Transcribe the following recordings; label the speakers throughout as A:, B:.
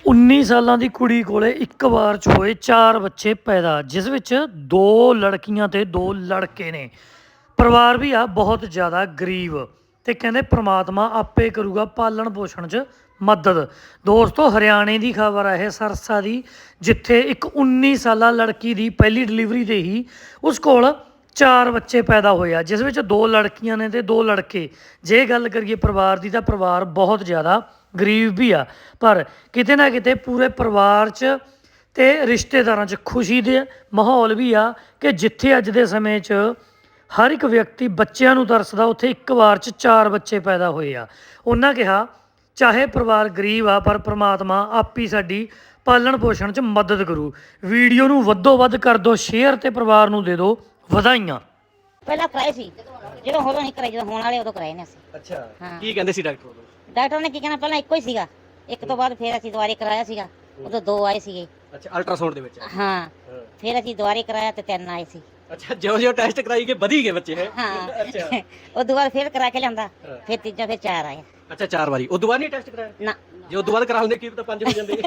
A: 19 ਸਾਲਾਂ ਦੀ ਕੁੜੀ ਕੋਲੇ ਇੱਕ ਵਾਰ 'ਚ ਹੋਏ 4 ਬੱਚੇ ਪੈਦਾ, ਜਿਸ ਵਿੱਚ 2 ਲੜਕੀਆਂ ਤੇ 2 ਲੜਕੇ ਨੇ। ਪਰਿਵਾਰ ਵੀ ਆ ਬਹੁਤ ਜ਼ਿਆਦਾ ਗਰੀਬ ਤੇ ਕਹਿੰਦੇ ਪ੍ਰਮਾਤਮਾ ਆਪੇ ਕਰੂਗਾ ਪਾਲਣ ਪੋਸ਼ਣ 'ਚ ਮਦਦ। ਦੋਸਤੋ, ਹਰਿਆਣੇ ਦੀ ਖਬਰ ਹੈ ਇਹ ਸਰਸਾ ਦੀ, ਜਿੱਥੇ ਇੱਕ 19 ਸਾਲਾ ਲੜਕੀ ਦੀ ਪਹਿਲੀ ਡਿਲੀਵਰੀ ਤੇ ਹੀ ਉਸ ਕੋਲ 4 ਬੱਚੇ ਪੈਦਾ ਹੋਏ ਆ, ਜਿਸ ਵਿੱਚ 2 ਲੜਕੀਆਂ ਨੇ ਤੇ 2 ਲੜਕੇ। ਜੇ ਗੱਲ ਕਰੀਏ ਪਰਿਵਾਰ ਦੀ ਤਾਂ ਪਰਿਵਾਰ ਬਹੁਤ ਜ਼ਿਆਦਾ ਗਰੀਬ ਵੀ ਆ, ਪਰ ਕਿਤੇ ਨਾ ਕਿਤੇ ਪੂਰੇ ਪਰਿਵਾਰ 'ਚ ਤੇ ਰਿਸ਼ਤੇਦਾਰਾਂ 'ਚ ਖੁਸ਼ੀ ਦੇ ਮਾਹੌਲ ਵੀ ਆ ਕਿ ਜਿੱਥੇ ਅੱਜ ਦੇ ਸਮੇਂ 'ਚ ਹਰ ਇੱਕ ਵਿਅਕਤੀ ਬੱਚਿਆਂ ਨੂੰ ਤਰਸਦਾ, ਉੱਥੇ ਇੱਕ ਵਾਰ 'ਚ 4 ਬੱਚੇ ਪੈਦਾ ਹੋਏ ਆ। ਉਹਨਾਂ ਕਿਹਾ ਚਾਹੇ ਪਰਿਵਾਰ ਗਰੀਬ ਆ, ਪਰ ਪ੍ਰਮਾਤਮਾ ਆਪ ਹੀ ਸਾਡੀ ਪਾਲਣ ਪੋਸ਼ਣ 'ਚ ਮਦਦ ਕਰੂ। ਵੀਡੀਓ ਨੂੰ ਵੱਧੋ ਵੱਧ ਕਰ ਦਿਓ ਸ਼ੇਅਰ ਤੇ ਪਰਿਵਾਰ ਨੂੰ ਦੇ ਦਿਓ ਵਧਾਈਆਂ।
B: ਪਹਿਲਾਂ ਕਰਾਏ ਸੀ, ਜਦੋਂ ਉਦੋਂ ਨਹੀਂ ਕਰਾਏ, ਜਦੋਂ ਹੋਣ ਵਾਲੇ ਉਦੋਂ ਕਰਾਏ ਨੇ ਅਸੀਂ।
C: ਅੱਛਾ,
B: ਹਾਂ।
C: ਕੀ ਕਹਿੰਦੇ ਸੀ ਡਾਕਟਰ ਉਦੋਂ?
B: ਡਾਕਟਰ ਨੇ ਕੀ ਕਹਿਣਾ, ਪਹਿਲਾਂ ਇੱਕੋ ਹੀ ਸੀਗਾ, ਇੱਕ ਤੋਂ ਬਾਅਦ ਫਿਰ ਅਸੀਂ ਦੁਬਾਰੇ ਕਰਾਇਆ ਸੀਗਾ, ਉਦੋਂ 2 ਆਏ ਸੀਗੇ।
C: ਅੱਛਾ, ਅਲਟਰਾਸਾਊਂਡ ਦੇ ਵਿੱਚ?
B: ਹਾਂ, ਫਿਰ ਅਸੀਂ ਦੁਬਾਰੇ ਕਰਾਇਆ ਤੇ 3 ਆਏ ਸੀ।
C: ਅੱਛਾ, ਜਿਉਂ ਟੈਸਟ ਕਰਾਈ ਗਏ ਵਧੀ ਗਏ ਬੱਚੇ ਹੈ?
B: ਹਾਂ।
C: ਅੱਛਾ,
B: ਉਹ ਦੁਬਾਰਾ ਫਿਰ ਕਰਾ ਕੇ ਲਿਆਂਦਾ, ਫਿਰ ਤੀਜਾ, ਫਿਰ 4 ਆਏ।
C: ਅੱਛਾ 4 ਵਾਰੀ? ਉਦੋਂ ਬਾਅਦ ਨਹੀਂ ਟੈਸਟ ਕਰਾਇਆ?
B: ਨਾ,
C: ਜੇ ਉਦੋਂ ਬਾਅਦ ਕਰਾ ਹੁੰਦੇ ਕੀ ਪਤਾ 5 ਹੋ ਜਾਂਦੇ।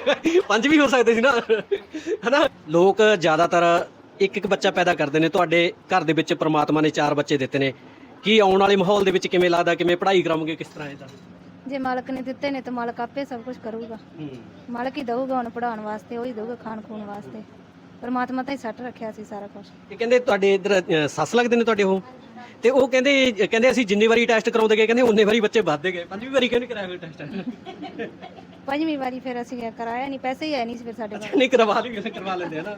C: 5 ਵੀ ਹੋ ਸਕਦੇ ਸੀ ਨਾ, ਹਨਾ? ਲੋਕ ਜ਼ਿਆਦਾਤਰ ਇੱਕ ਇੱਕ ਬੱਚਾ ਪੈਦਾ ਕਰਦੇ ਨੇ। ਤੁਹਾਡੇ ਘਰ ਦੇ ਵਿੱਚ ਪ੍ਰਮਾਤਮਾ ਨੇ 4 ਬੱਚੇ ਦਿੱਤੇ ਨੇ। ਕੀ ਆਉਣ ਵਾਲੇ ਮਾਹੌਲ ਦੇ ਵਿੱਚ ਕਿਵੇਂ ਲੱਗਦਾ, ਕਿਵੇਂ ਪੜ੍ਹਾਈ ਕਰਾਉਂਗੇ, ਕਿਸ ਤਰ੍ਹਾਂ ਇਹਦਾ?
D: ਜੇ ਮਾਲਕ ਨੇ ਦਿੱਤੇ ਨੇ ਤਾਂ ਮਾਲਕ ਆਪੇ ਸਭ ਕੁਝ ਕਰੂਗਾ। ਮਾਲਕ ਹੀ ਦਊਗਾ, ਹੁਣ ਪੜਾਉਣ ਵਾਸਤੇ ਉਹੀ ਦਊਗਾ, ਖਾਣ ਖੂਣ ਵਾਸਤੇ। ਪਰਮਾਤਮਾ ਤਾਂ ਹੀ ਸੱਟ ਰੱਖਿਆ ਸੀ ਸਾਰਾ ਕੁਝ।
C: ਇਹ ਕਹਿੰਦੇ ਤੁਹਾਡੇ ਇੱਧਰ ਸੱਸ ਲੱਗਦੇ ਨੇ ਤੁਹਾਡੇ ਉਹ, ਤੇ ਉਹ ਕਹਿੰਦੇ ਅਸੀਂ ਜਿੰਨੀ ਵਾਰੀ ਟੈਸਟ ਕਰਾਉਂਦੇ ਗਏ, ਕਹਿੰਦੇ ਉਨੇ ਵਾਰੀ ਬੱਚੇ ਵੱਧਦੇ ਗਏ। 5ਵੀਂ ਵਾਰੀ ਕਿਉਂ ਨਹੀਂ ਕਰਾਇਆ ਟੈਸਟ?
D: 5ਵੀਂ ਵਾਰੀ ਫਿਰ ਅਸੀਂ ਕਰਾਇਆ ਨਹੀਂ, ਪੈਸੇ ਹੀ ਹੈ ਨਹੀਂ ਸੀ ਫਿਰ ਸਾਡੇ ਕੋਲ।
C: ਨਹੀਂ ਕਰਵਾ ਲੈਂਦੇ ਹਨਾ?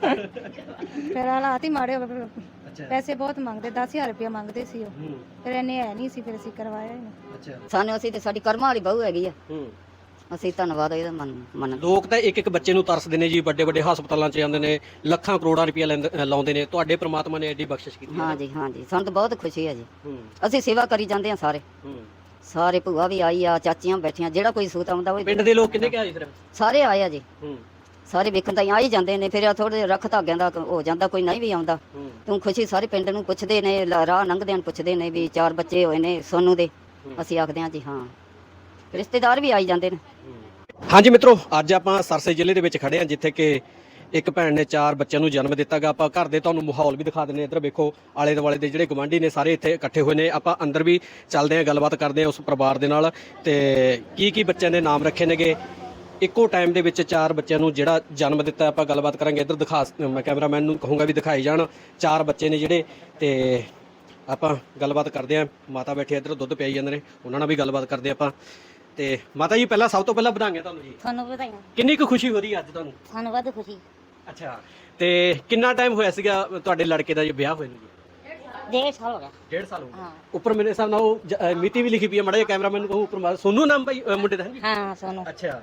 D: ਫਿਰ ਹਾਲਾਤ ਹੀ ਮਾੜੇ ਹੋ ਗਏ,
C: ਅੱਛਾ,
D: ਪੈਸੇ ਬਹੁਤ ਮੰਗਦੇ, 10,000 ਰੁਪਇਆ ਮੰਗਦੇ ਸੀ ਉਹ। ਫਿਰ ਇੰਨੇ ਹੈ ਨਹੀਂ ਸੀ, ਫਿਰ ਅਸੀਂ ਕਰਵਾਇਆ ਹੀ ਨਹੀਂ।
C: ਅੱਛਾ।
E: ਸਾਨੂੰ ਅਸੀਂ ਤੇ ਸਾਡੀ ਕਰਮਾਂ ਵਾਲੀ ਬਹੂ ਹੈਗੀ ਆ, ਅਸੀਂ ਧੰਨਵਾਦ ਇਹਦਾ ਮੰਨ।
C: ਲੋਕ ਤਾਂ ਇੱਕ ਇੱਕ ਬੱਚੇ ਨੂੰ ਤਰਸਦੇ ਨੇ ਜੀ, ਵੱਡੇ ਵੱਡੇ ਹਸਪਤਾਲਾਂ 'ਚ ਜਾਂਦੇ ਨੇ, ਲੱਖਾਂ ਕਰੋੜਾਂ ਰੁਪਇਆ ਲਾਉਂਦੇ ਨੇ। ਤੁਹਾਡੇ ਪ੍ਰਮਾਤਮਾ ਨੇ ਐਡੀ ਬਖਸ਼ਿਸ਼ ਕੀਤੀ।
E: ਹਾਂਜੀ ਹਾਂਜੀ, ਸਾਨੂੰ ਤਾਂ ਬਹੁਤ ਖੁਸ਼ੀ ਹੈ ਜੀ। ਅਸੀਂ ਸੇਵਾ ਕਰੀ ਜਾਂਦੇ ਆ ਸਾਰੇ ਭੂਆ ਵੀ ਆਈ ਆ, ਚਾਚੀਆਂ ਬੈਠੀਆਂ, ਜਿਹੜਾ ਕੋਈ ਸੂਤ ਆਉਂਦਾ ਉਹ
C: ਪਿੰਡ ਦੇ ਲੋਕ ਕਿੰਨੇ ਕਿ ਆਏ ਫਿਰ?
E: ਸਾਰੇ ਆਏ ਆ ਜੀ। ਸਾਰੇ ਵੇਖਣ ਤਾਂ ਆ ਹੀ ਜਾਂਦੇ ਨੇ, ਫਿਰ ਥੋੜੇ ਰੱਖ ਧਾਗਿਆਂ ਦਾ ਹੋ ਜਾਂਦਾ, ਕੋਈ ਨਹੀਂ ਵੀ ਆਉਂਦਾ। ਤੂੰ ਖੁਸ਼ੀ ਸਾਰੇ ਪਿੰਡ ਨੂੰ ਪੁੱਛਦੇ ਨੇ, ਰਾਹ ਲੰਘਦੇ ਨੇ ਪੁੱਛਦੇ ਨੇ ਵੀ 4 ਬੱਚੇ ਹੋਏ ਨੇ ਸੋਨੂੰ ਦੇ। ਅਸੀਂ ਆਖਦੇ ਹਾਂ ਜੀ ਹਾਂ, ਰਿਸ਼ਤੇਦਾਰ ਵੀ ਆਈ ਜਾਂਦੇ ਨੇ।
C: ਹਾਂਜੀ ਮਿੱਤਰੋ, ਅੱਜ ਆਪਾਂ ਸਰਸੇ ਜ਼ਿਲ੍ਹੇ ਦੇ ਵਿੱਚ ਖੜੇ ਹਾਂ, ਜਿੱਥੇ ਕਿ ਇੱਕ ਭੈਣ ਨੇ 4 ਬੱਚਿਆਂ ਨੂੰ ਜਨਮ ਦਿੱਤਾ ਗਾ। ਆਪਾਂ ਘਰ ਦੇ ਤੁਹਾਨੂੰ ਮਾਹੌਲ ਵੀ ਦਿਖਾ ਦਿੰਦੇ ਹਾਂ। ਇੱਧਰ ਵੇਖੋ, ਆਲੇ ਦੁਆਲੇ ਦੇ ਜਿਹੜੇ ਗਵਾਂਢੀ ਨੇ ਸਾਰੇ ਇੱਥੇ ਇਕੱਠੇ ਹੋਏ ਨੇ। ਆਪਾਂ ਅੰਦਰ ਵੀ ਚੱਲਦੇ ਹਾਂ, ਗੱਲਬਾਤ ਕਰਦੇ ਹਾਂ ਉਸ ਪਰਿਵਾਰ ਦੇ ਨਾਲ, ਤੇ ਕੀ ਬੱਚਿਆਂ ਦੇ ਨਾਮ ਰੱਖੇ ਨੇਗੇ। ਇੱਕੋ ਟਾਈਮ ਦੇ ਵਿੱਚ 4 ਬੱਚਿਆਂ ਨੂੰ ਜਿਹੜਾ ਜਨਮ ਦਿੱਤਾ, ਆਪਾਂ ਗੱਲਬਾਤ ਕਰਾਂਗੇ। ਇੱਧਰ ਦਿਖਾ, ਮੈਂ ਕੈਮਰਾਮੈਨ ਨੂੰ ਕਹੂੰਗਾ ਵੀ ਦਿਖਾਈ ਜਾਣ। 4 ਬੱਚੇ ਨੇ ਜਿਹੜੇ, ਤੇ ਆਪਾਂ ਗੱਲਬਾਤ ਕਰਦੇ ਹਾਂ। ਮਾਤਾ ਬੈਠੇ ਇੱਧਰ ਦੁੱਧ ਪਿਆਈ ਜਾਂਦੇ ਨੇ, ਉਹਨਾਂ ਨਾਲ ਵੀ ਗੱਲਬਾਤ ਕਰਦੇ ਆਪਾਂ। ਤੇ ਮਾਤਾ ਜੀ, ਪਹਿਲਾਂ ਸਭ ਤੋਂ ਪਹਿਲਾਂ ਵਧਾਈਆਂ ਤੁਹਾਨੂੰ ਜੀ।
B: ਤੁਹਾਨੂੰ ਵਧਾਈਆਂ।
C: ਕਿੰਨੀ ਕੁ ਖੁਸ਼ੀ ਹੋ ਰਹੀ ਹੈ ਅੱਜ ਤੁਹਾਨੂੰ?
B: ਸਾਨੂੰ ਵੱਧ ਖੁਸ਼ੀ।
C: ਅੱਛਾ, ਤੇ ਕਿੰਨਾ ਟਾਈਮ ਹੋਇਆ ਸੀਗਾ ਤੁਹਾਡੇ ਲੜਕੇ ਦਾ ਜੇ ਵਿਆਹ ਹੋਇਆ ਨੂੰ ਜੀ?
B: 1.5 ਸਾਲ ਹੋ ਗਿਆ।
C: 1.5 ਸਾਲ ਹੋ ਗਿਆ।
B: ਹਾਂ।
C: ਉੱਪਰ ਮੇਰੇ ਹਿਸਾਬ ਨਾਲ ਉਹ ਮਿਤੀ ਵੀ ਲਿਖੀ ਪਈ ਹੈ, ਮਾੜਾ ਜਿਹਾ ਕੈਮਰਾਮੈਨ ਨੂੰ ਕਹੋ ਉੱਪਰ। ਸੋਨੂੰ ਨਾਮ ਭਾਈ ਮੁੰਡੇ ਦਾ ਹੈ ਜੀ?
B: ਹਾਂ, ਸੋਨੂੰ।
C: ਅੱਛਾ,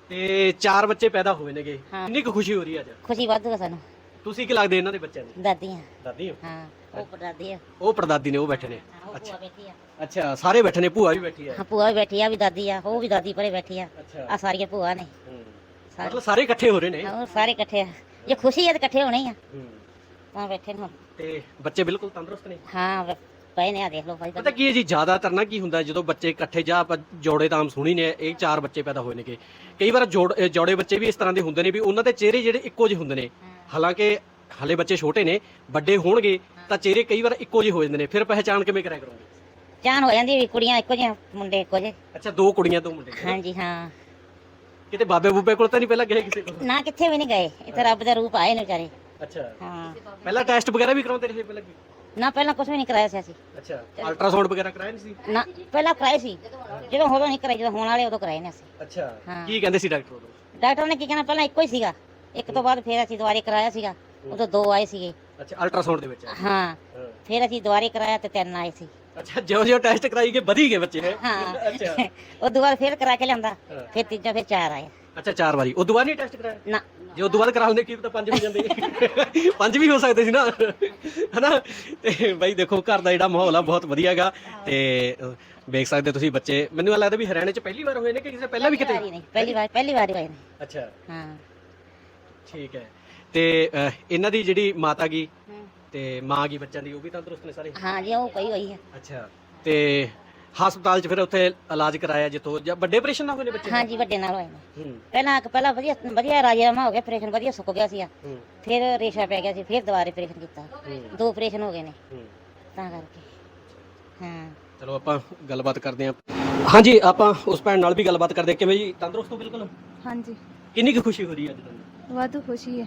C: ਤੇ 4 ਬੱਚੇ ਪੈਦਾ ਹੋਏ ਨੇਗੇ। ਕਿੰਨੀ ਕੁ ਖੁਸ਼ੀ ਹੋ ਰਹੀ ਹੈ ਅੱਜ?
B: ਖੁਸ਼ੀ ਵੱਧ ਸਾਨੂੰ।
C: ਤੁਸੀਂ ਕੀ ਲੱਗਦੇ ਇਹਨਾਂ ਦੇ ਬੱਚਿਆਂ ਨੂੰ?
B: ਦਾਦੀਆਂ।
C: ਦਾਦੀ ਹੋ?
B: ਹਾਂ, ਉਹ ਪੜਦਾਦੀ ਆ।
C: ਉਹ ਪੜਦਾਦੀ ਨੇ, ਉਹ ਬੈਠੇ ਨੇ।
B: ਉਹ ਭੂਆ ਬੈਠੀ ਆ।
C: ਅੱਛਾ, ਸਾਰੇ ਬੈਠੇ ਨੇ, ਭੂਆ ਵੀ ਬੈਠੀ ਹੈ?
B: ਹਾਂ, ਭੂਆ ਵੀ ਬੈਠੀ ਆ, ਵੀ ਦਾਦੀ ਆ, ਉਹ ਵੀ ਦਾਦੀ ਪਰੇ ਬੈਠੀ ਆ।
C: ਅੱਛਾ,
B: ਆ ਸਾਰੀਆਂ ਭੂਆ ਨੇ।
C: ਮਤਲਬ ਸਾਰੇ ਇਕੱਠੇ ਹੋ ਰਹੇ ਨੇ?
B: ਹੋਰ ਸਾਰੇ ਇਕੱਠੇ ਆ। ਜੇ ਖੁਸ਼ੀ ਹੈ ਤਾਂ ਇਕੱਠੇ ਹੋਣੇ ਹੀ ਆ, ਤਾਂ ਬੈਠੇ ਨੇ ਹੁਣ।
C: ਤੇ ਬੱਚੇ ਬਿਲਕੁਲ ਤੰਦਰੁਸਤ ਨੇ?
B: ਹਾਂ, ਪਏ ਨੇ, ਆ ਦੇਖ ਲਓ ਭਾਈ।
C: ਪਤਾ ਕੀ ਹੈ ਜੀ, ਜ਼ਿਆਦਾਤਰ ਨਾ ਕੀ ਹੁੰਦਾ, ਜਦੋਂ ਬੱਚੇ ਇਕੱਠੇ, ਜਾਂ ਆਪਾਂ ਜੋੜੇ ਤਾਂ ਆਮ ਸੁਣੀ ਨੇ, ਇਹ 4 ਬੱਚੇ ਪੈਦਾ ਹੋਏ ਨੇਗੇ। ਕਈ ਵਾਰ ਜੋੜੇ ਬੱਚੇ ਵੀ ਇਸ ਤਰ੍ਹਾਂ ਦੇ ਹੁੰਦੇ ਨੇ ਵੀ ਉਹਨਾਂ ਦੇ ਚਿਹਰੇ ਜਿਹੜੇ ਇੱਕੋ ਜਿਹੇ ਹੁੰਦੇ ਨੇ। ਹਾਲਾਂਕਿ ਹਲੇ ਬੱਚੇ ਛੋਟੇ ਨੇ, ਵੱਡੇ ਹੋਣਗੇ ਤਾਂ ਚਿਹਰੇ ਕਈ ਵਾਰ ਇੱਕੋ ਜਿਹੇ ਹੋ ਜਾਂਦੇ ਨੇ। ਫਿਰ ਪਹਿਚਾਣ ਕਿਵੇਂ ਕਰਿਆ ਕਰੋਗੇ?
B: ਚਾਨ ਹੋ ਜਾਂਦੀ ਵੀ ਕੁੜੀਆਂ ਇੱਕੋ ਜਿਹੀਆਂ, ਮੁੰਡੇ ਇੱਕੋ ਜਿਹੇ।
C: ਅੱਛਾ, 2 ਕੁੜੀਆਂ 2 ਮੁੰਡੇ?
B: ਹਾਂਜੀ, ਹਾਂ।
C: ਕਿਤੇ ਬਾਬੇ ਬੂਬੇ ਕੋਲ ਤਾਂ ਨਹੀਂ ਪਹਿਲਾਂ ਗਏ ਕਿਸੇ ਕੋਲ?
B: ਨਾ, ਕਿੱਥੇ ਵੀ ਨਹੀਂ ਗਏ। ਇੱਥੇ ਰੱਬ ਦਾ ਰੂਪ ਆਏ ਨੇ ਵਿਚਾਰੇ।
C: ਅੱਛਾ,
B: ਹਾਂ।
C: ਪਹਿਲਾਂ ਟੈਸਟ ਵਗੈਰਾ ਵੀ ਕਰਾਉਂਦੇ ਰਹੇ ਪਹਿਲਾਂ?
B: ਨਾ, ਪਹਿਲਾਂ ਕੁਝ ਵੀ ਨਹੀਂ ਕਰਾਇਆ ਸੀ ਅਸੀਂ।
C: ਅੱਛਾ, ਅਲਟਰਾਸਾਊਂਡ ਵਗੈਰਾ ਕਰਾਇਆ ਨਹੀਂ ਸੀ?
B: ਨਾ, ਪਹਿਲਾਂ ਕਰਾਏ ਸੀ, ਜਦੋਂ ਉਦੋਂ ਨਹੀਂ ਕਰਾਏ, ਜਦੋਂ ਹੋਣ ਵਾਲੇ ਉਦੋਂ ਕਰਾਏ ਨੇ ਅਸੀਂ।
C: ਅੱਛਾ,
B: ਹਾਂ।
C: ਕੀ ਕਹਿੰਦੇ ਸੀ ਡਾਕਟਰ ਉਦੋਂ?
B: ਡਾਕਟਰ ਨੇ ਕੀ ਕਹਿਣਾ, ਪਹਿਲਾਂ ਇੱਕੋ ਹੀ ਸੀਗਾ, ਇੱਕ ਤੋਂ ਬਾਅਦ ਫਿਰ ਅਸੀਂ ਦੁਬਾਰੇ ਕਰਾਇਆ ਸੀਗਾ, ਉਦੋਂ 2 ਆਏ ਸੀਗੇ।
C: ਅੱਛਾ, ਅਲਟਰਾਸਾਊਂਡ ਦੇ ਵਿੱਚ?
B: ਹਾਂ, ਫਿਰ ਅਸੀਂ ਦੁਬਾਰੇ ਕਰਾਇਆ ਤੇ 3 ਆਏ ਸੀ।
C: ਅੱਛਾ, ਜਿਉਂ ਟੈਸਟ ਕਰਾਈ ਗਏ ਵਧੀ ਗਏ ਬੱਚੇ ਹੈ?
B: ਹਾਂ।
C: ਅੱਛਾ,
B: ਉਹ ਦੁਬਾਰਾ ਫਿਰ ਕਰਾ ਕੇ ਲਿਆਂਦਾ, ਫਿਰ ਤੀਜਾ, ਫਿਰ 4 ਆਏ।
C: ਅੱਛਾ, 4 ਵਾਰੀ? ਉਦੋਂ ਬਾਅਦ ਨਹੀਂ ਟੈਸਟ ਕਰਾਇਆ?
B: ਨਾ,
C: ਜੇ ਉਦੋਂ ਬਾਅਦ ਕਰਾ ਹੁੰਦੇ ਕੀ ਪਤਾ 5 ਹੋ ਜਾਂਦੇ। 5 ਵੀ ਹੋ ਸਕਦੇ ਸੀ ਨਾ, ਹਨਾ? ਤੇ ਬਾਈ ਦੇਖੋ, ਘਰ ਦਾ ਜਿਹੜਾ ਮਾਹੌਲ ਆ ਬਹੁਤ ਵਧੀਆ ਹੈਗਾ। ਤੇ ਵੇਖ ਸਕਦੇ ਤੁਸੀਂ ਬੱਚੇ। ਮੈਨੂੰ ਲੱਗਦਾ ਵੀ ਹਰਿਆਣੇ 'ਚ ਪਹਿਲੀ ਵਾਰ ਹੋਏ ਨੇ ਕਿ ਕਿਸੇ ਪਹਿਲਾਂ ਵੀ ਕਿਤੇ?
B: ਪਹਿਲੀ ਵਾਰ ਹੋਏ ਨੇ।
C: ਅੱਛਾ,
B: ਹਾਂ।
C: ਠੀਕ ਹੈ। ਤੇ ਇਹਨਾਂ ਦੀ ਜਿਹੜੀ ਮਾਤਾ ਗੀ ਤੇ ਮਾਂ ਗੀ ਬੱਚਿਆਂ ਦੀ, ਉਹ ਵੀ ਤੰਦਰੁਸਤ ਨੇ ਸਾਰੇ?
B: ਹਾਂ ਜੀ, ਉਹ ਪਈ ਹੋਈ ਹੈ।
C: ਅੱਛਾ, ਤੇ ਹਸਪਤਾਲ 'ਚ ਫਿਰ ਉੱਥੇ ਇਲਾਜ ਕਰਾਇਆ ਜਿੱਥੋਂ ਜਾਂ ਵੱਡੇ ਆਪਰੇਸ਼ਨ ਨਾਲ ਹੋਏ ਨੇ ਬੱਚੇ?
B: ਹਾਂਜੀ ਵੱਡੇ ਨਾਲ ਹੋਏ ਨੇ।
C: ਹੂੰ
B: ਪਹਿਲਾਂ ਵਧੀਆ ਵਧੀਆ ਰਾਜੀਨਾਮਾ ਹੋ ਗਿਆ, ਆਪਰੇਸ਼ਨ ਵਧੀਆ ਸੁੱਕ ਗਿਆ ਸੀ।
C: ਹੂੰ
B: ਫਿਰ ਰੇਸ਼ਾ ਪੈ ਗਿਆ ਸੀ, ਫਿਰ ਦੁਬਾਰਾ ਆਪਰੇਸ਼ਨ ਕੀਤਾ।
C: ਹੂੰ
B: 2 ਆਪਰੇਸ਼ਨ ਹੋ ਗਏ ਨੇ
C: ਹੂੰ।
B: ਤਾਂ ਕਰਕੇ। ਹਾਂ
C: ਚਲੋ ਆਪਾਂ ਗੱਲਬਾਤ ਕਰਦੇ ਹਾਂ। ਹਾਂਜੀ, ਆਪਾਂ ਉਸ ਭੈਣ ਨਾਲ ਵੀ ਗੱਲਬਾਤ ਕਰਦੇ ਹਾਂ। ਕਿਵੇਂ ਜੀ, ਤੰਦਰੁਸਤ ਹੋ ਬਿਲਕੁਲ?
D: ਹਾਂਜੀ
C: ਕਿੰਨੀ ਕੁ ਖੁਸ਼ੀ ਹੋ ਰਹੀ ਹੈ ਅੱਜ ਤੁਹਾਨੂੰ?
D: ਵਾਧੂ ਖੁਸ਼ੀ ਹੈ।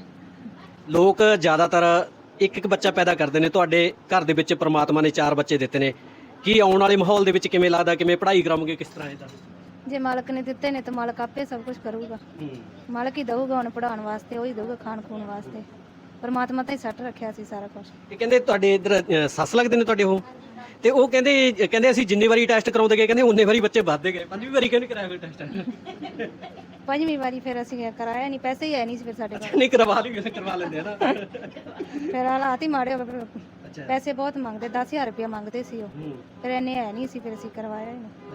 C: ਲੋਕ ਜ਼ਿਆਦਾਤਰ ਇੱਕ ਬੱਚਾ ਪੈਦਾ ਕਰਦੇ ਨੇ, ਤੁਹਾਡੇ ਘਰ ਦੇ ਵਿੱਚ ਪ੍ਰਮਾਤਮਾ ਨੇ 4 ਬੱਚੇ ਦਿੱਤੇ ਨੇ। ਕੀ ਆਉਣ ਵਾਲੇ ਮਾਹੌਲ ਦੇ ਵਿੱਚ ਕਿਵੇਂ ਲੱਗਦਾ, ਕਿਵੇਂ ਪੜ੍ਹਾਈ ਕਰਾਉਂਗੇ, ਕਿਸ ਤਰ੍ਹਾਂ ਇਹਦਾ?
D: ਜੇ ਮਾਲਕ ਨੇ ਦਿੱਤੇ ਨੇ ਤਾਂ ਮਾਲਕ ਆਪੇ ਸਭ ਕੁਝ ਕਰੂਗਾ। ਮਾਲਕ ਹੀ ਦਊਗਾ ਹੁਣ ਪੜਾਉਣ ਵਾਸਤੇ, ਉਹ ਹੀ ਦਊਗਾ ਖਾਣ ਖੂਨ ਵਾਸਤੇ। ਪਰਮਾਤਮਾ ਤਾਂ ਹੀ ਸੱਟ ਰੱਖਿਆ ਸੀ ਸਾਰਾ ਕੁਝ।
C: ਇਹ ਕਹਿੰਦੇ ਤੁਹਾਡੇ ਇੱਧਰ ਸੱਸ ਲੱਗਦੇ ਨੇ ਤੁਹਾਡੇ ਉਹ, ਤੇ ਉਹ ਕਹਿੰਦੇ ਅਸੀਂ ਜਿੰਨੀ ਵਾਰੀ ਟੈਸਟ ਕਰਾਉਂਦੇ ਗਏ ਕਹਿੰਦੇ ਉਨੇ ਵਾਰੀ ਬੱਚੇ ਵੱਧਦੇ ਗਏ। 5ਵੀਂ ਵਾਰੀ ਕਿਉਂ ਨਹੀਂ ਕਰਾਇਆ ਕੋਈ ਟੈਸਟ?
D: 5ਵੀਂ ਵਾਰੀ ਫਿਰ ਅਸੀਂ ਕਰਾਇਆ ਨਹੀਂ, ਪੈਸੇ ਹੀ ਹੈ ਨਹੀਂ ਸੀ ਫਿਰ ਸਾਡੇ ਕੋਲ।
C: ਨਹੀਂ ਕਰਵਾ ਲੈਂਦੇ ਆ ਨਾ।
D: ਫਿਰ ਹਾਲਾਤ ਹੀ ਮਾੜੇ ਹੋ ਗਏ।
C: ਅੱਛਾ
D: ਪੈਸੇ ਬਹੁਤ ਮੰਗਦੇ, 10,000 ਰੁਪਇਆ ਮੰਗਦੇ ਸੀ ਉਹ। ਫਿਰ ਇੰਨੇ ਹੈ ਨਹੀਂ ਸੀ, ਫਿਰ ਅਸੀਂ ਕਰਵਾਇਆ ਹੀ ਨਹੀਂ।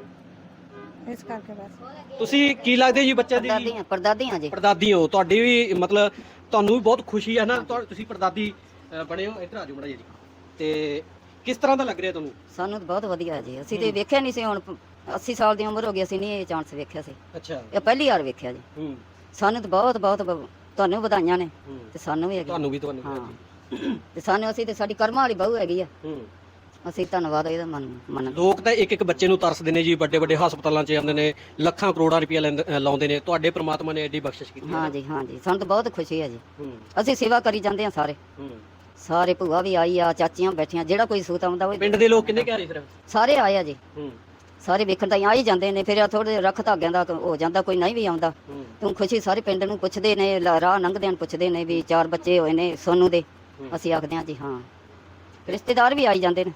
C: ਅੱਛਾ,
D: ਇਸ ਕਰਕੇ ਬਸ।
C: ਤੁਸੀਂ ਕੀ ਲੱਗਦੇ ਜੀ ਬੱਚਿਆਂ ਦੀ?
E: ਪਰਦਾਦੀਆਂ ਜੀ।
C: ਪੜਦਾਦੀ ਹੋ, ਤੁਹਾਡੀ ਵੀ ਮਤਲਬ ਤੁਹਾਨੂੰ ਵੀ ਬਹੁਤ ਖੁਸ਼ੀ ਹੈ ਨਾ, ਤੁਸੀਂ ਪੜਦਾਦੀ ਬਣੇ ਹੋ। ਇੱਧਰ ਆ ਜਾਓ ਮਾੜਾ ਜੀ। ਤੇ ਕਿਸ ਤਰ੍ਹਾਂ ਦਾ ਲੱਗ ਰਿਹਾ ਤੁਹਾਨੂੰ?
E: ਸਾਨੂੰ ਤਾਂ ਬਹੁਤ ਵਧੀਆ ਜੀ, ਅਸੀਂ ਤੇ ਵੇਖਿਆ ਨਹੀਂ ਸੀ। ਹੁਣ 80 ਸਾਲ ਦੀ ਉਮਰ ਹੋ ਗਈ, ਅਸੀਂ ਨਹੀਂ ਇਹ ਚਾਂਸ ਵੇਖਿਆ ਸੀ।
C: ਅੱਛਾ।
E: ਇਹ ਪਹਿਲੀ ਵਾਰ ਵੇਖਿਆ ਜੀ। ਸਾਨੂੰ ਤਾਂ ਬਹੁਤ ਬਹੁਤ ਤੁਹਾਨੂੰ ਵਧਾਈਆਂ ਨੇ ਤੇ ਸਾਨੂੰ ਵੀ ਹੈਗੀ।
C: ਤੁਹਾਨੂੰ
E: ਹਾਂ ਤੇ ਸਾਨੂੰ ਅਸੀਂ ਤੇ ਸਾਡੀ ਕਰਮਾਂ ਵਾਲੀ ਬਹੂ ਹੈਗੀ ਆ। ਅਸੀਂ ਧੰਨਵਾਦ ਇਹਦਾ ਮੰਨ।
C: ਲੋਕ ਤਾਂ ਇੱਕ ਬੱਚੇ ਨੂੰ ਤਰਸਦੇ ਨੇ ਜੀ, ਵੱਡੇ ਵੱਡੇ ਹਸਪਤਾਲਾਂ 'ਚ ਜਾਂਦੇ ਨੇ, ਲੱਖਾਂ ਕਰੋੜਾਂ ਰੁਪਇਆ ਲਾਉਂਦੇ ਨੇ। ਤੁਹਾਡੇ ਪ੍ਰਮਾਤਮਾ ਨੇ ਐਡੀ ਬਖਸ਼ਿਸ਼ ਕੀਤੀ।
E: ਹਾਂ ਜੀ ਸਾਨੂੰ ਤਾਂ ਬਹੁਤ ਖੁਸ਼ੀ ਹੈ ਜੀ। ਅਸੀਂ ਸੇਵਾ ਕਰੀ ਜਾਂਦੇ ਆ ਸਾਰੇ ਭੂਆ ਵੀ ਆਈ ਆ, ਚਾਚੀਆਂ ਬੈਠੀਆਂ, ਜਿਹੜਾ ਕੋਈ ਸੂਤ ਆਉਂਦਾ ਉਹ।
C: ਪਿੰਡ ਦੇ ਲੋਕ ਕਿੰਨੇ ਘਰੇ ਫਿਰ?
E: ਸਾਰੇ ਆਏ ਆ ਜੀ। ਸਾਰੇ ਵੇਖਣ ਤਾਂ ਆ ਹੀ ਜਾਂਦੇ ਨੇ। ਫਿਰ ਥੋੜੇ ਰੱਖ ਧਾਗਿਆਂ ਦਾ ਹੋ ਜਾਂਦਾ, ਕੋਈ ਨਹੀਂ ਵੀ ਆਉਂਦਾ। ਤੂੰ ਖੁਸ਼ੀ ਸਾਰੇ ਪਿੰਡ ਨੂੰ ਪੁੱਛਦੇ ਨੇ, ਰਾਹ ਲੰਘਦਿਆਂ ਨੂੰ ਪੁੱਛਦੇ ਨੇ ਵੀ 4 ਬੱਚੇ ਹੋਏ ਨੇ ਸੋਨੂੰ ਦੇ। ਅਸੀਂ ਆਖਦੇ ਹਾਂ ਜੀ ਹਾਂ। ਰਿਸ਼ਤੇਦਾਰ ਵੀ ਆਈ ਜਾਂਦੇ ਨੇ।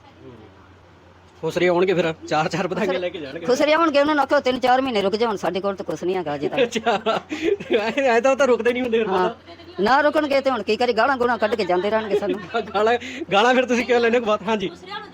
C: ਖੁਸਰੇ ਆਉਣਗੇ ਫਿਰ 4-4 ਵਧਾਈਆਂ ਲੈ ਕੇ ਜਾਣਗੇ।
E: ਖੁਸਰੇ ਆਉਣਗੇ, ਉਹਨਾਂ ਨੂੰ ਆਖੋ 3-4 ਮਹੀਨੇ ਰੁਕ ਜਾਓ, ਸਾਡੇ ਕੋਲ ਤਾਂ ਕੁਛ ਨਹੀਂ ਹੈਗਾ ਅਜੇ ਤੱਕ।
C: ਅੱਛਾ, ਐ ਤਾਂ ਰੁਕਦੇ ਨਹੀਂ ਹੁੰਦੇ।
E: ਹਾਂ ਨਾ ਰੁਕਣਗੇ ਤੇ ਹੁਣ ਕੀ ਕਰੇ, ਗਾਲਾਂ ਗੋਲਾਂ ਕੱਢ ਕੇ ਜਾਂਦੇ ਰਹਿਣਗੇ ਸਾਨੂੰ।
C: ਗਾਲਾਂ ਫਿਰ ਤੁਸੀਂ ਕਿਉਂ ਲੈਣੇ? ਬਾਤ ਹਾਂਜੀ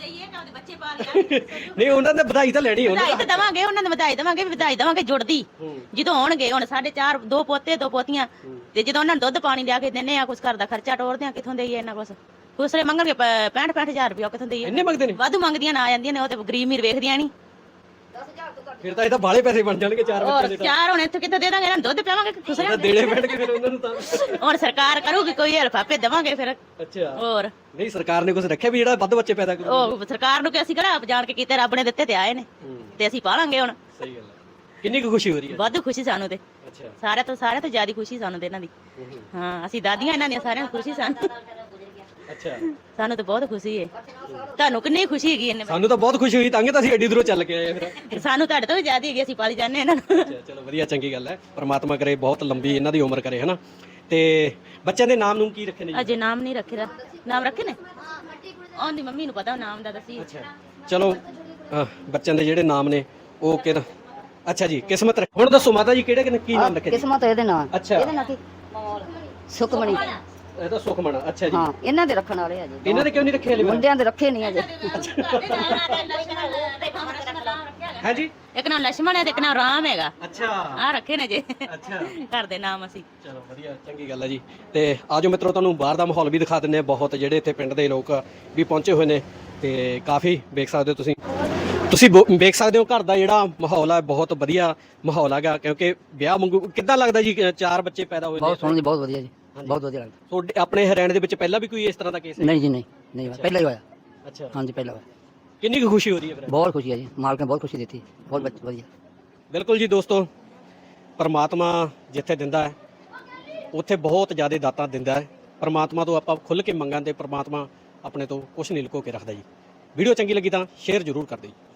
C: ਨਹੀਂ, ਉਹਨਾਂ ਨੇ ਵਧਾਈ ਤਾਂ ਲੈਣੀ ਹੋਣੀ।
F: ਵਧਾਈ ਤਾਂ ਦਵਾਂਗੇ, ਉਹਨਾਂ ਨੂੰ ਵਧਾਈ ਦਵਾਂਗੇ ਜੁੜਦੀ ਜਦੋਂ ਆਉਣਗੇ। ਹੁਣ ਸਾਡੇ 2 ਪੋਤੇ 2 ਪੋਤੀਆਂ, ਤੇ ਜਦੋਂ ਉਹਨਾਂ ਨੂੰ ਦੁੱਧ ਪਾਣੀ ਲਿਆ ਕੇ ਦਿੰਨੇ ਆ, ਕੁਛ ਘਰ ਦਾ ਖਰਚਾ ਟੋਰਦੇ ਆ, ਕਿੱਥੋਂ ਦੇਈਏ ਇਹਨਾਂ ਕੁਛ? ਖੁਸਰੇ ਮੰਗਣਗੇ 65,000 ਰੁਪਇਆ, ਕਿੱਥੋਂ ਦੇਈਏ?
C: ਇੰਨੇ ਮੰਗਦੇ ਨੇ?
F: ਵਾਧੂ ਮੰਗਦੀਆਂ ਨਾ ਆ ਜਾਂਦੀਆਂ ਨੇ, ਉਹ ਤੇ ਗਰੀਬ ਮੀਰ ਵੇਖਦੀਆਂ ਨਹੀਂ।
C: ਫਿਰ ਤਾਂ ਇਹ ਤਾਂ ਬਾਲੇ ਪੈਸੇ ਬਣ ਜਾਣਗੇ 4 ਬੱਚੇ ਦੇ।
F: 4 ਹੁਣ ਇੱਥੇ ਕਿੱਥੋਂ ਦੇ ਦਾਂਗੇ? ਇਹਨਾਂ ਨੂੰ ਦੁੱਧ ਪਿਆਵਾਂਗੇ ਖੁਸਰਿਆਂ
C: ਦੇਣੇ ਪੈਣਗੇ ਫਿਰ ਉਹਨਾਂ ਨੂੰ ਤਾਂ।
F: ਹੁਣ ਸਰਕਾਰ ਕਰੂਗੀ ਕੋਈ ਹੈਲਪ, ਆਪੇ ਦੇਵਾਂਗੇ ਫਿਰ।
C: ਅੱਛਾ।
F: ਹੋਰ
C: ਨਹੀਂ, ਸਰਕਾਰ ਨੇ ਕੁਝ ਰੱਖਿਆ ਵੀ ਜਿਹੜਾ ਵੱਧ ਬੱਚੇ ਪੈਦਾ ਕਰੂ?
F: ਉਹ ਸਰਕਾਰ ਨੂੰ ਕਿ ਅਸੀਂ ਕਿਹੜਾ ਜਾਣ ਕੇ ਕੀਤੇ, ਰੱਬ ਨੇ ਦਿੱਤੇ ਤੇ ਆਏ ਨੇ, ਤੇ ਅਸੀਂ ਪਾਲਾਂਗੇ ਹੁਣ।
C: ਸਹੀ ਗੱਲ ਹੈ। ਕਿੰਨੀ ਕੁ ਖੁਸ਼ੀ ਹੋ ਰਹੀ ਹੈ?
F: ਵਾਧੂ ਖੁਸ਼ੀ ਸਾਨੂੰ ਤੇ।
C: ਅੱਛਾ।
F: ਸਾਰਿਆਂ ਤੋਂ ਜ਼ਿਆਦਾ ਖੁਸ਼ੀ ਸਾਨੂੰ ਤੇ ਇਹਨਾਂ ਦੀ। ਹਾਂ, ਅਸੀਂ ਦਾਦੀਆਂ ਇਹਨਾਂ ਦੀਆਂ, ਸਾਰਿਆਂ ਨੂੰ ਖੁਸ਼ੀ ਸਾਨੂੰ।
C: ਅੱਛਾ,
F: ਸਾਨੂੰ ਤਾਂ ਬਹੁਤ ਖੁਸ਼ੀ ਹੈ। ਤੁਹਾਨੂੰ ਕਿੰਨੀ ਖੁਸ਼ੀ ਹੈਗੀ ਇਹਨੇ?
C: ਸਾਨੂੰ ਤਾਂ ਬਹੁਤ ਖੁਸ਼ੀ ਹੋਈ, ਤਾਂ ਅਸੀਂ ਐਡੀ ਦੂਰੋਂ ਚੱਲ ਕੇ ਆਏ ਫਿਰ।
F: ਸਾਨੂੰ ਤੁਹਾਡੇ ਤੋਂ ਵੀ ਜ਼ਿਆਦਾ ਹੈਗੀ, ਅਸੀਂ ਪਾਲੀ ਜਾਂਦੇ ਇਹਨਾਂ ਨੂੰ।
C: ਅੱਛਾ, ਚਲੋ ਵਧੀਆ, ਚੰਗੀ ਗੱਲ ਹੈ। ਪ੍ਰਮਾਤਮਾ ਕਰੇ ਬਹੁਤ ਲੰਬੀ ਇਹਨਾਂ ਦੀ ਉਮਰ ਕਰੇ, ਹਨਾ। ਤੇ ਬੱਚਿਆਂ ਦੇ ਨਾਮ ਨੂੰ ਕੀ ਰੱਖੇ ਨੇ ਜੀ?
F: ਅਜੇ ਨਾਮ ਨਹੀਂ ਰੱਖੇ ਦਾ। ਨਾਮ ਰੱਖੇ ਨੇ? ਉਹਦੀ ਮੰਮੀ ਨੂੰ ਪਤਾ ਨਾਮ ਦਾ, ਦੱਸੀ।
C: ਅੱਛਾ, ਚਲੋ ਬੱਚਿਆਂ ਦੇ ਜਿਹੜੇ ਨਾਮ ਨੇ ਉਹ ਕਿਹੜਾ? ਅੱਛਾ ਜੀ, ਕਿਸਮਤ। ਹੁਣ ਦੱਸੋ ਮਾਤਾ ਜੀ, ਕਿਹੜੇ ਕੀ ਨਾਮ ਰੱਖੇ?
E: ਕਿਸਮਤ ਇਹਦੇ ਨਾਲ।
C: ਅੱਛਾ।
E: ਇਹਦੇ ਨਾਲ ਕੀ? ਸੁਖਮਣੀ।
C: ਇਹ ਤਾਂ ਸੁਖਮਣ। ਅੱਛਾ ਜੀ।
E: ਹਾਂ, ਇਹਨਾਂ ਦੇ ਰੱਖਣ ਵਾਲੇ ਆ ਜੀ।
C: ਇਹਨਾਂ ਦੇ ਕਿਉਂ ਨਹੀਂ ਰੱਖੇ ਹਲੇ?
E: ਮੁੰਡਿਆਂ ਦੇ ਰੱਖੇ ਨਹੀਂ ਅਜੇ।
C: ਹੈ ਜੀ।
F: ਇੱਕ ਨਾਮ ਲక్ష్మణ ਹੈ ਤੇ ਇੱਕ ਨਾਮ ਰਾਮ ਹੈਗਾ।
C: ਅੱਛਾ,
F: ਆ ਰੱਖੇ ਨੇ ਜੇ
C: ਅੱਛਾ।
F: ਘਰ ਦੇ ਨਾਮ ਅਸੀਂ।
C: ਚਲੋ ਵਧੀਆ, ਚੰਗੀ ਗੱਲ ਹੈ ਜੀ। ਤੇ ਆਜੋ ਮਿੱਤਰੋ, ਤੁਹਾਨੂੰ ਬਾਹਰ ਦਾ ਮਾਹੌਲ ਵੀ ਦਿਖਾ ਦਿੰਦੇ ਆ। ਬਹੁਤ ਜਿਹੜੇ ਇੱਥੇ ਪਿੰਡ ਦੇ ਲੋਕ ਵੀ ਪਹੁੰਚੇ ਹੋਏ ਨੇ, ਤੇ ਕਾਫੀ ਵੇਖ ਸਕਦੇ ਹੋ ਤੁਸੀਂ ਵੇਖ ਸਕਦੇ ਹੋ ਘਰ ਦਾ ਜਿਹੜਾ ਮਾਹੌਲ ਹੈ, ਬਹੁਤ ਵਧੀਆ ਮਾਹੌਲ ਹੈਗਾ। ਕਿਉਂਕਿ ਵਿਆਹ ਵਾਂਗੂ ਕਿੱਦਾਂ ਲੱਗਦਾ ਜੀ? 4 ਬੱਚੇ ਪੈਦਾ ਹੋਏ ਨੇ।
G: ਬਹੁਤ ਸੋਹਣਾ ਜੀ, ਬਹੁਤ ਵਧੀਆ ਜੀ, ਬਹੁਤ ਵਧੀਆ ਲੱਗਦਾ।
C: ਤੁਹਾਡੇ ਆਪਣੇ ਹਰਿਆਣੇ ਦੇ ਵਿੱਚ ਪਹਿਲਾਂ ਵੀ ਕੋਈ ਇਸ ਤਰ੍ਹਾਂ ਦਾ ਕੇਸ ਹੈ?
G: ਨਹੀਂ ਜੀ, ਨਹੀਂ ਹੋਇਆ, ਪਹਿਲਾਂ ਹੀ ਹੋਇਆ।
C: ਅੱਛਾ।
G: ਹਾਂਜੀ, ਪਹਿਲਾਂ ਹੋਇਆ।
C: ਕਿੰਨੀ ਕੁ ਖੁਸ਼ੀ ਹੋ ਰਹੀ ਹੈ ਫਿਰ?
G: ਬਹੁਤ ਖੁਸ਼ੀ ਹੈ ਜੀ, ਮਾਲਕ ਨੇ ਬਹੁਤ ਖੁਸ਼ੀ ਦਿੱਤੀ, ਬਹੁਤ ਵਧੀਆ।
C: ਬਿਲਕੁਲ ਜੀ ਦੋਸਤੋ, ਪਰਮਾਤਮਾ ਜਿੱਥੇ ਦਿੰਦਾ ਹੈ ਉੱਥੇ ਬਹੁਤ ਜ਼ਿਆਦਾ ਦਾਤਾਂ ਦਿੰਦਾ ਹੈ। ਪਰਮਾਤਮਾ ਤੋਂ ਆਪਾਂ ਖੁੱਲ੍ਹ ਕੇ ਮੰਗਾਂ ਤੇ ਪਰਮਾਤਮਾ ਆਪਣੇ ਤੋਂ ਕੁਝ ਨਹੀਂ ਲੁਕੋ ਕੇ ਰੱਖਦਾ ਜੀ। ਵੀਡੀਓ ਚੰਗੀ ਲੱਗੀ ਤਾਂ ਸ਼ੇਅਰ ਜ਼ਰੂਰ ਕਰ ਦਿਓ ਜੀ।